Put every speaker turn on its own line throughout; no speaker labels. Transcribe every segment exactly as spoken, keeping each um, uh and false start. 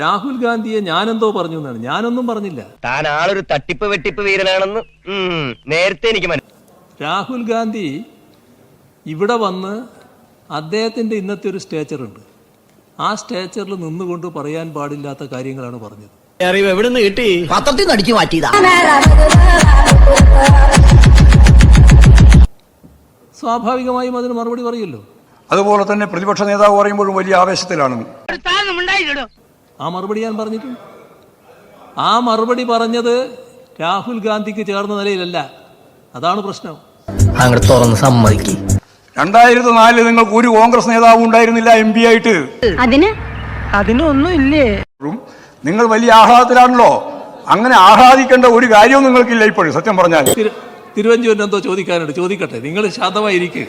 രാഹുൽ ഗാന്ധിയെ ഞാനെന്തോ പറഞ്ഞു എന്നാണ്. ഞാനൊന്നും പറഞ്ഞില്ല.
താൻ ആളൊരു തട്ടിപ്പ് വെട്ടിപ്പ് വീരനാണെന്ന് നേരത്തെ എനിക്ക് മനസ്സിലായി.
രാഹുൽ ഗാന്ധി ഇവിടെ വന്ന് അദ്ദേഹത്തിൻ്റെ ഇന്നത്തെ ഒരു സ്റ്റേച്ചറുണ്ട്. ആ സ്റ്റേച്ചറിൽ നിന്നുകൊണ്ട് പറയാൻ പാടില്ലാത്ത കാര്യങ്ങളാണ് പറഞ്ഞത്.
അറിവ് എവിടെ നിന്ന് കിട്ടി?
പത്രത്തിൽ നിന്ന് അടിച്ചു മാറ്റിയതാ.
സ്വാഭാവികമായും അതിന് മറുപടി പറയുമല്ലോ.
അതുപോലെ തന്നെ പ്രതിപക്ഷ നേതാവ് പറയുമ്പോഴും വലിയ ആവേശത്തിലാണ്.
ആ മറുപടി ഞാൻ പറഞ്ഞിട്ടുണ്ട്. ആ മറുപടി പറഞ്ഞത് രാഹുൽ ഗാന്ധിക്ക് ചേർന്ന നിലയിലല്ല. അതാണ് പ്രശ്നം.
അങ്ങോട്ട് തുറന്ന് സമ്മതിക്കും.
രണ്ടായിരത്തി നാലില് നിങ്ങൾക്ക് ഒരു കോൺഗ്രസ് നേതാവും ഉണ്ടായിരുന്നില്ല എം പി ആയിട്ട്.
അതിന് അതിനൊന്നും ഇല്ലേ?
നിങ്ങൾ വലിയ ആഹ്ലാദത്തിലാണല്ലോ. അങ്ങനെ ആഹ്ലാദിക്കേണ്ട ഒരു കാര്യവും നിങ്ങൾക്കില്ല ഇപ്പോഴും. സത്യം പറഞ്ഞാൽ
തിരുവഞ്ചൂരിന് എന്തോ ചോദിക്കാനുണ്ട്, ചോദിക്കട്ടെ. നിങ്ങൾ ശാന്തമായിരിക്കും.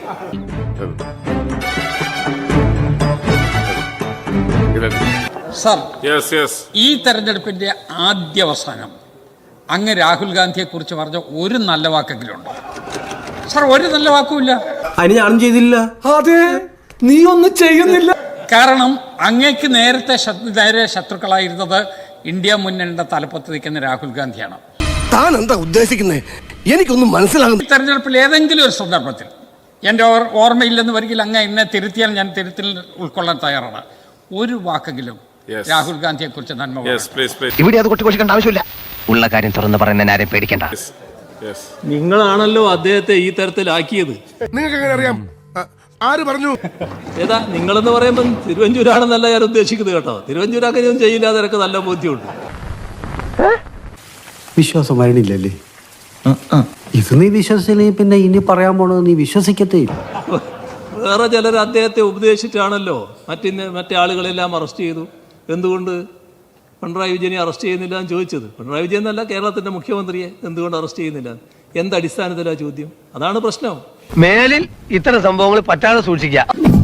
സർ, ഈ തെരഞ്ഞെടുപ്പിന്റെ ആദ്യാവസാനം അങ്ങ് രാഹുൽ ഗാന്ധിയെ കുറിച്ച് പറഞ്ഞ ഒരു നല്ല വാക്കെങ്കിലും ഉണ്ട്? സർ, ഒരു നല്ല വാക്കുമില്ല.
അതിന് ഞാനും ചെയ്തില്ല.
അതെ, നീ ഒന്നും ചെയ്യുന്നില്ല.
കാരണം അങ്ങേക്ക് നേരത്തെ നേരെ ശത്രുക്കളായിരുന്നത് ഇന്ത്യ മുന്നണിയുടെ തലപ്പത്ത് നിൽക്കുന്ന രാഹുൽ ഗാന്ധിയാണ്.
താൻ എന്താ ഉദ്ദേശിക്കുന്നത്? എനിക്കൊന്നും മനസ്സിലാകുന്നു.
തെരഞ്ഞെടുപ്പിൽ ഏതെങ്കിലും ഒരു സന്ദർഭത്തിൽ എൻ്റെ ഓർമ്മയില്ലെന്ന് വരികിൽ അങ്ങ് എന്നെ തിരുത്തിയാൽ ഞാൻ തിരുത്തിൽ ഉൾക്കൊള്ളാൻ തയ്യാറാണ്. ഒരു വാക്കെങ്കിലും രാഹുൽ ഗാന്ധിയെ കുറിച്ച് നന്മ.
ഇവിടെ അത് കൊട്ടിക്കൊണ്ടിരിക്കേണ്ട ആവശ്യമില്ല. ഉള്ള കാര്യം തുറന്ന് പറയുന്ന ആരെയും പേടിക്കണ്ട.
നിങ്ങളാണല്ലോ അദ്ദേഹത്തെ ഈ തരത്തിലാക്കിയത്.
നിങ്ങൾക്ക് എങ്ങനെ അറിയാം? ആര് പറഞ്ഞു?
ഏതാ നിങ്ങളെന്ന് പറയുമ്പോൾ തിരുവഞ്ചൂരാണെന്നല്ല ഞാൻ ഉദ്ദേശിക്കുന്നത് കേട്ടോ. തിരുവഞ്ചൂർ അങ്ങനെയൊന്നും ചെയ്യില്ല, അതൊക്കെ നല്ല ബോധ്യമുണ്ട്.
വിശ്വാസം വരണില്ലല്ലേ? ഇത് നീ വിശ്വസിച്ചില്ലെങ്കിൽ പിന്നെ ഇനി പറയാൻ പോണത് നീ വിശ്വസിക്കത്തേ ഇല്ല.
വേറെ ചിലർ അദ്ദേഹത്തെ ഉപദേശിച്ചിട്ടാണല്ലോ മറ്റിന്ന് മറ്റേ ആളുകളെല്ലാം അറസ്റ്റ് ചെയ്തു. എന്തുകൊണ്ട് പിണറായി വിജയനെ അറസ്റ്റ് ചെയ്യുന്നില്ല എന്ന് ചോദിച്ചത്. പിണറായി വിജയൻ എന്നല്ല, കേരളത്തിൻ്റെ മുഖ്യമന്ത്രിയെ എന്തുകൊണ്ട് അറസ്റ്റ് ചെയ്യുന്നില്ല? എന്തടിസ്ഥാനത്തിലാണ് ചോദ്യം? അതാണ് പ്രശ്നം.
മേലിൽ ഇത്തരം സംഭവങ്ങൾ പറ്റാതെ സൂക്ഷിക്കുക.